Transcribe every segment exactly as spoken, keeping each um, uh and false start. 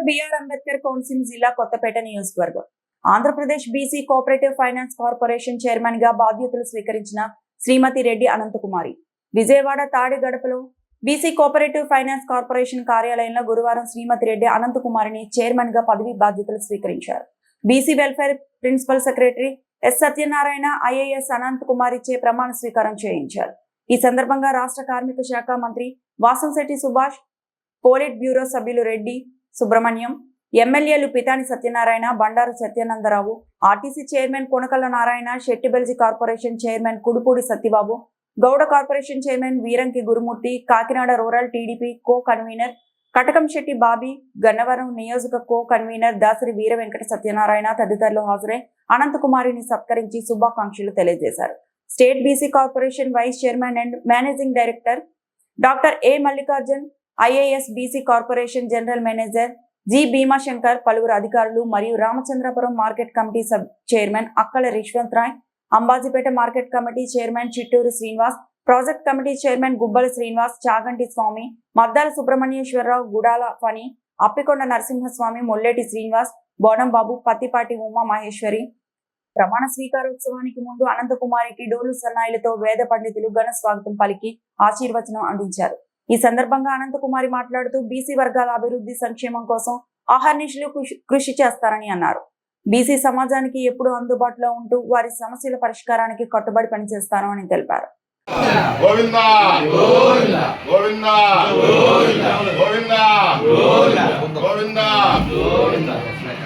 BR Ambedkar council జిల్లా కొత్తపేట నియోజకవర్గం. Andhra Pradesh BC cooperative finance corporation chairman గా బాధ్యతలు స్వీకరించిన శ్రీమతి రెడ్డి అనంతకుమారి విజయవాడ తాడిగడపలో బీసీ కోఆపరేటివ్ ఫైనాన్స్ కార్పొరేషన్ కార్యాలయంలో గురువారం శ్రీమతి రెడ్డి అనంతకుమారిని చైర్మన్ గా పదవి బాధ్యతలు స్వీకరించారు. BC welfare principal secretary S Satyanarayana IAS Anant Kumar ఇచ్చే ప్రమాణ స్వీకారం చేయించారు. ఈ సందర్భంగా రాష్ట్ర కార్మిక శాఖ మంత్రి వాసంశెట్టి సుభాష్, పోలిట్ బ్యూరో సభ్యులు రెడ్డి సుబ్రహ్మణ్యం, ఎమ్మెల్యేలు Pithani Satyanarayana, Bandaru Satyanandarao, RTC chairman Konakalla Narayana, Shettibalija corporation chairman Kudupudi Satyababu, Gowda corporation chairman Veeranki Gurumurthy, Kakinada rural TDP co convener Katakamsetti Bobby, Gannavaram నియోజక కో కన్వీనర్ దాసరి వీర వెంకట సత్యనారాయణ తదితరులు హాజరై అనంతకుమారిని సత్కరించి శుభాకాంక్షలు తెలియజేశారు. State BC corporation vice chairman and managing director doctor A Mallikarjun, IAS BC corporation general manager G Bhimashankar, పలువురు అధికారులు మరియు Ramachandrapuram market committee sub chairman అక్కల రిష్వంత్ Roy, Ambajipeta market committee chairman Chitturu Srinivas, project committee chairman Gubbala Srinivas, Chaganti Swamy, Maddala Subrahmanyeswararao, Gudala Phani, Appikonda Narasimhaswamy, Molleti Srinivas, Bonambabu, Pattipati Uma Maheswari ప్రమాణ స్వీకారోత్సవానికి ముందు అనంతకుమారికి డోలు సన్నాయిలతో వేద పండితులు ఘన స్వాగతం పలికి ఆశీర్వచనం అందించారు. ఈ సందర్భంగా అనంతకుమారి మాట్లాడుతూ బీసీ వర్గాల అభివృద్ధి సంక్షేమం కోసం అహర్నిశలు కృషి చేస్తారని అన్నారు. బీసీ సమాజానికి ఎప్పుడూ అందుబాటులో ఉంటూ వారి సమస్యల పరిష్కారానికి కట్టుబడి పనిచేస్తాను అని తెలిపారు. గోవిందా గోవిందా గోవిందా గోవిందా గోవిందా గోవిందా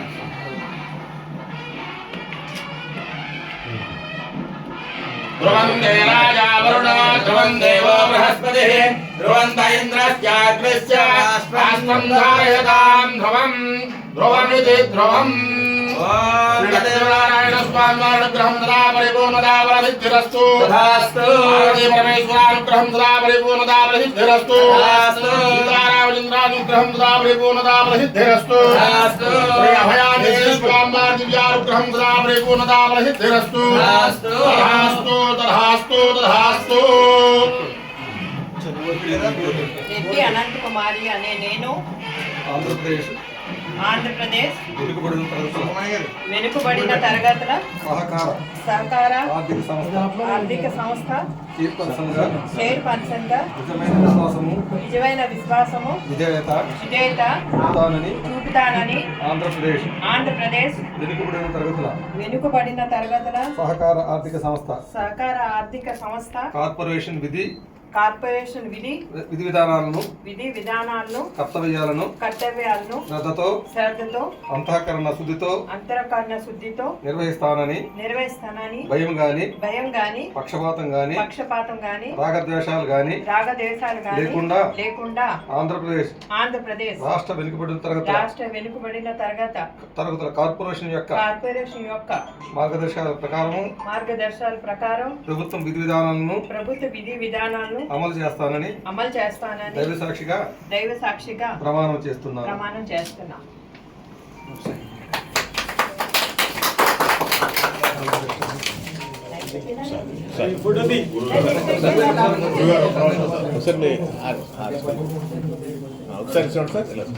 ధ్రువంతే రాజా వరుణ ధ్రువం దేవో బృహస్పతిః ధ్రువంత ఇంద్రస్యాగ్నిశ్చ రాష్ట్రం ధారయతాం ధ్రువం ధ్రువమితి ధ్రువం. శ్రీలక్ష్మీనారాయణ స్వామి అనుగ్రహం సదా పరిపూర్ణతా బలసిద్ధిరస్తు. పరమేశ్వరానుగ్రహం సదా పరిపూర్ణతా బలసిద్ధిరస్తు. సీతారామచంద్రానుగ్రహం సదా పరిపూర్ణతా బలసిద్ధిరస్తు. అభయాంజనేయ స్వామి దివ్యానుగ్రహం సదా పరిపూర్ణతా బలసిద్ధిరస్తు. తథాస్తు తథాస్తు తథాస్తు. రెడ్డి అనంతకుమారి అనే నేను ఆంధ్రప్రదేశ్ ఆంధ్రప్రదేశ్ వెనుకబడిన తరగతుల వెనుకబడిన తరగతుల సహకార సహకార ఆర్థిక సంస్థ ఆర్థిక సంస్థ చైర్పర్సన్గా చైర్పర్సన్ గా నిజమైన విశ్వాసము నిజమైన విశ్వాసము విధేయత విధేయత చూపుతానని చూపుతానని ఆంధ్రప్రదేశ్ ఆంధ్రప్రదేశ్ వెనుకబడిన తరగతుల వెనుకబడిన తరగతుల సహకార ఆర్థిక సంస్థ సహకార ఆర్థిక సంస్థ కార్పొరేషన్ విధి కార్పొరేషన్ విధి విధి విధానాలను విధి విధానాలను కర్తవ్యాలను కర్తవ్యాలను శ్రద్ధతో శ్రద్ధతో అంతఃకరణ శుద్ధితో అంతఃకరణ శుద్ధితో నిర్వహిస్తానని నిర్వహిస్తానని భయం గాని భయం గాని పక్షపాతం గాని పక్షపాతం గాని రాగద్వేషాలు గాని రాగదేశాలు గాని లేకుండా లేకుండా ఆంధ్రప్రదేశ్ ఆంధ్రప్రదేశ్ రాష్ట్ర వెనుకబడిన తరగతుల రాష్ట్ర వెనుకబడిన తరగత తరగతుల కార్పొరేషన్ యొక్క కార్పొరేషన్ యొక్క మార్గదర్శకాల ప్రకారము మార్గదర్శకాల ప్రకారం ప్రభుత్వం విధి విధానాలను ప్రభుత్వ విధి విధానాలను అమలు చేస్తానని అమలు చేస్తానని దైవ సాక్షిగా దైవ సాక్షిగా ప్రమాణం చేస్తున్నాను. ప్రమాణం చేస్తున్నా. ఒకసారి ఒకసారి చూడండి సార్.